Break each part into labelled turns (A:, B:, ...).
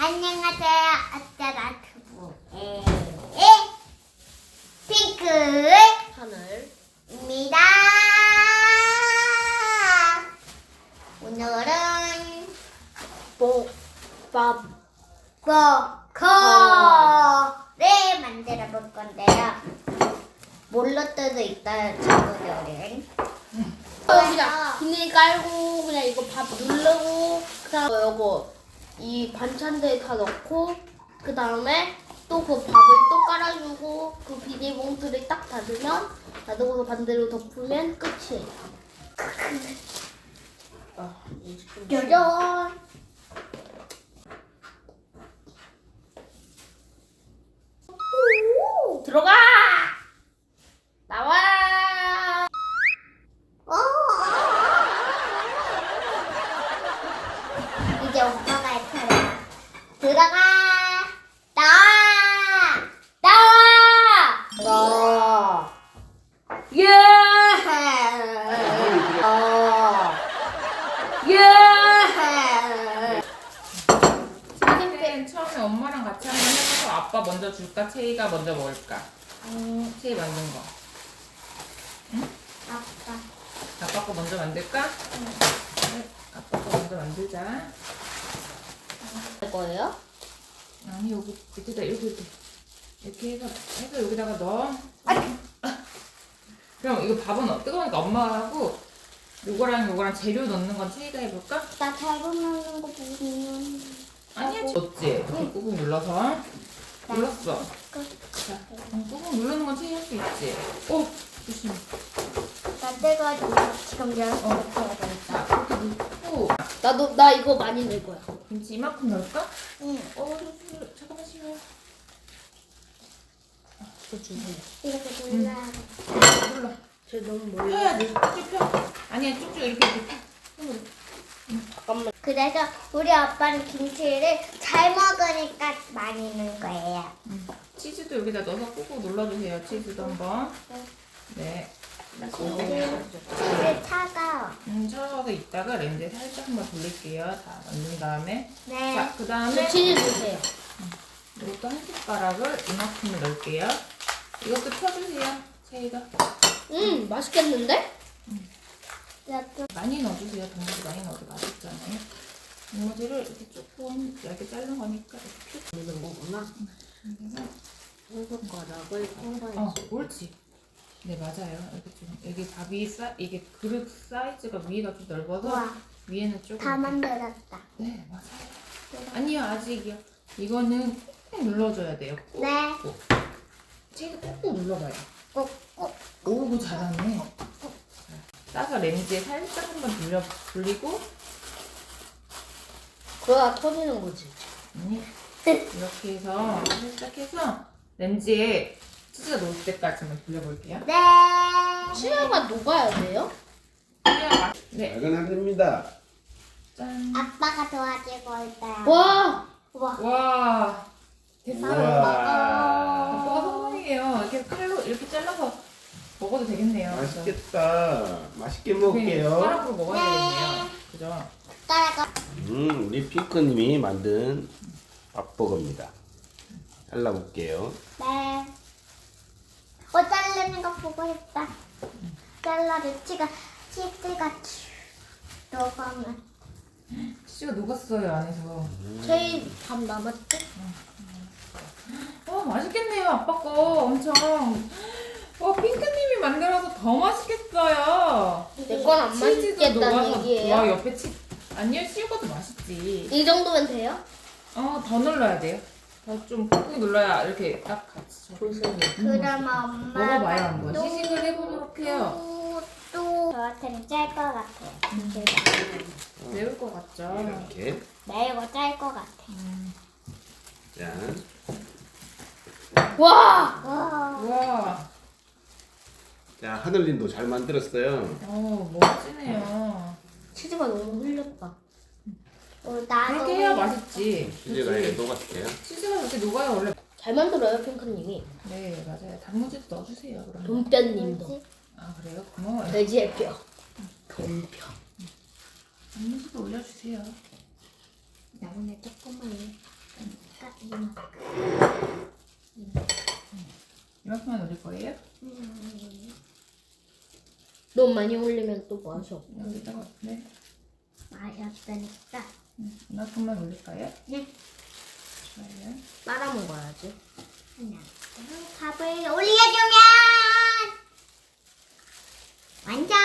A: 안녕하세요. 아짜라트부의 핑크 하늘입니다. 오늘은 뽀뽀커를 만들어 볼 건데요. 몰로 때도 있다 친구들은.
B: 그냥 비닐 깔고 그냥 이거 밥 누르고 그다음 요거 이 반찬들 다 넣고 그다음에 또 그 밥을 또 깔아주고 그 비닐봉투를 딱 닫고서 반대로 덮으면 끝이에요.
A: 짜잔.
B: 들어가! 나와!
A: 이제 오빠가 할 차례야. 들어가. 나와. 나와.
B: 예! 예!
C: 채이는 처음에 엄마랑 같이 한번 해봐서 아빠 먼저 줄까? 채이가 먼저 먹을까? 채이 만든 거.
A: 아빠.
C: 아빠 거 먼저 만들까? 네, 아빠 거 먼저 만들자.
B: 할 거예요?
C: 아니 여기 밑에다 이렇게 해서 여기다가 넣어. 그럼 이거 밥은 뜨거우니까 엄마가 하고 요거랑 재료 넣는 건 채이가 해볼까?
A: 나 잘못 먹는 거 보면.
C: 아니야 넣었지? 이렇게 꾹꾹 눌러서 눌렀어. 자, 꾹꾹 누르는 건 채이 할 수 있지? 오! 조심.
A: 나 뜨거워지고 지금 열어서 해야 되겠다.
C: 자, 이렇게 넣고
B: 나 이거 많이 넣을 거야.
C: 김치 이만큼 넣을까?
A: 응.
C: 잠깐만 쉬어요.
B: 저 주세요.
A: 이렇게 눌러야 돼.
C: 눌러.
B: 저 너무 멀리.
C: 펴야지. 쭉쭉 펴. 아니야, 쭉쭉 이렇게 펴. 손으로.
B: 잠깐만.
A: 그래서 우리 아빠는 김치를 잘 먹으니까 많이 넣은 거예요.
C: 치즈도 여기다 넣어서 꾹꾹 눌러주세요. 치즈도 한번. 네.
A: 치즈 차가워.
C: 저어서 있다가 렌즈에 살짝 한번 돌릴게요. 다 만든 다음에.
A: 네.
C: 자, 그
B: 저
C: 다음에
B: 치즈 주세요.
C: 이것도 한 숟가락을 이만큼을 넣을게요. 이것도 펴주세요. 채이가.
B: 맛있겠는데?
A: 이것도
C: 많이 넣어주세요. 단무지 많이 넣어도 맛있잖아요. 단무지를 이렇게 조금 얇게 자른 거니까 이렇게 펴.
B: 넣는 거구나.
C: 그래서
B: 한 숟가락을 콩가루.
C: 옳지. 네, 맞아요. 이렇게 좀, 여기 밥이 이게 그릇 사이즈가 위가 좀 넓어서
A: 우와.
C: 위에는 조금.
A: 다 만들었다.
C: 네, 맞아요. 아니요, 아직이요. 이거는 꾹꾹 눌러줘야 돼요. 꾹.
A: 네.
C: 꾹. 채도 꾹꾹 눌러봐요.
A: 꾹꾹.
C: 오구 잘하네. 따서 렌즈에 살짝 한번 돌리고,
B: 그러다 터지는 거지.
C: 아니, 이렇게 해서 살짝 해서 렌즈에 치즈가 녹을 때까지만 돌려볼게요.
A: 네.
B: 치아가 녹아야 돼요?
C: 네,
D: 작은 하늘입니다.
C: 짠.
A: 아빠가 도와주고 있어요.
B: 와!
A: 우와.
C: 와, 됐어요.
D: 우와.
C: 아빠가 성공이에요. 이렇게 칼로 이렇게 잘라서 먹어도 되겠네요.
D: 맛있겠다. 맛있게
C: 그죠?
D: 먹을게요.
C: 숟가락으로 먹어야 되겠네요. 그죠?
A: 숟가락.
D: 우리 핑크님이 만든 밥버거입니다. 잘라볼게요.
A: 네. 자르는 거 보고 싶다. 잘라도 치즈가 녹으면.
C: 치즈가 녹았어요, 안에서.
B: 저희 밥 남았죠?
C: 맛있겠네요, 아빠 거. 엄청. 핑크님이 만들어서 더 맛있겠어요.
B: 내 건 안
C: 치즈도
B: 맛있겠다는
C: 녹아서.
B: 얘기예요?
C: 와, 옆에 아니요, 씌우고도 맛있지.
B: 이 정도면 돼요?
C: 더 눌러야 돼요. 더 좀 꾹꾹 눌러야 이렇게 딱 같이.
A: 그럼 엄마.
C: 먹어봐요, 한번. 시식을 해보도록 해요.
A: 또 저한테는 짤 것 같아요.
C: 매울 것 같죠?
D: 이렇게.
A: 매우고 짤 것 같아.
D: 짠.
B: 와!
A: 와.
C: 우와.
D: 자, 하늘님도 잘 만들었어요.
C: 멋지네요.
B: 치즈가 너무 흘렸다.
A: 나도.
C: 그렇게 해야 맛있지.
D: 치즈가 이렇게 녹았어요.
C: 치즈가 이렇게 녹아요, 원래.
B: 잘 만들어요, 핑크님이.
C: 네, 맞아요. 단무지도 넣어주세요, 그럼.
B: 돈뼈님도.
C: 아, 그래요? 고마워요.
B: 돼지의 뼈. 돈뼈.
C: 단무지도 올려주세요.
B: 나중에 조금만.
C: 이만큼만 올릴 거예요?
B: 너무 많이 올리면 또 맛이 없어.
C: 여기다가 네.
A: 맛이 없으니까.
C: 이만큼만 올릴까요?
A: 네.
C: 좋아요.
B: 빨아 먹어야지.
A: 그냥 밥을 올려주면 완성.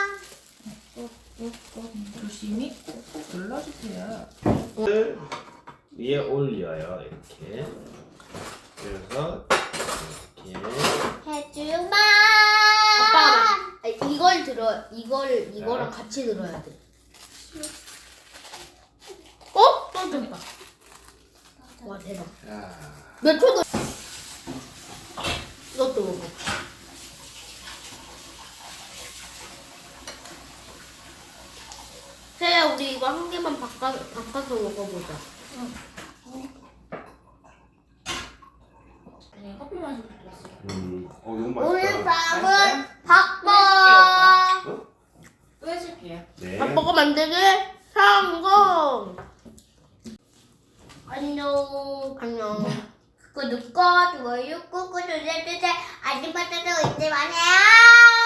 C: 조심히 눌러주세요.
D: 위에 올려요 이렇게. 그래서 이렇게
A: 해주마.
B: 아빠가 이걸 들어 이거랑 같이 들어야 돼. 어? 떨어졌다. 와 대박.
D: 자,
B: 몇 초도 이것도 먹어. 세야 우리 이거 한 개만 바꿔서 먹어보자.
C: 네, 커피 마시고 싶었어요.
D: 이거
A: 오늘
D: 맛있다.
A: 밥은 밥먹.
D: 어?
C: 또 해줄게요.
D: 네.
B: 밥버거 만들기 성공. 안녕.
A: 구독과 좋아요 꾹꾹 눌러주세요. 아줌마들도 잊지 마세요.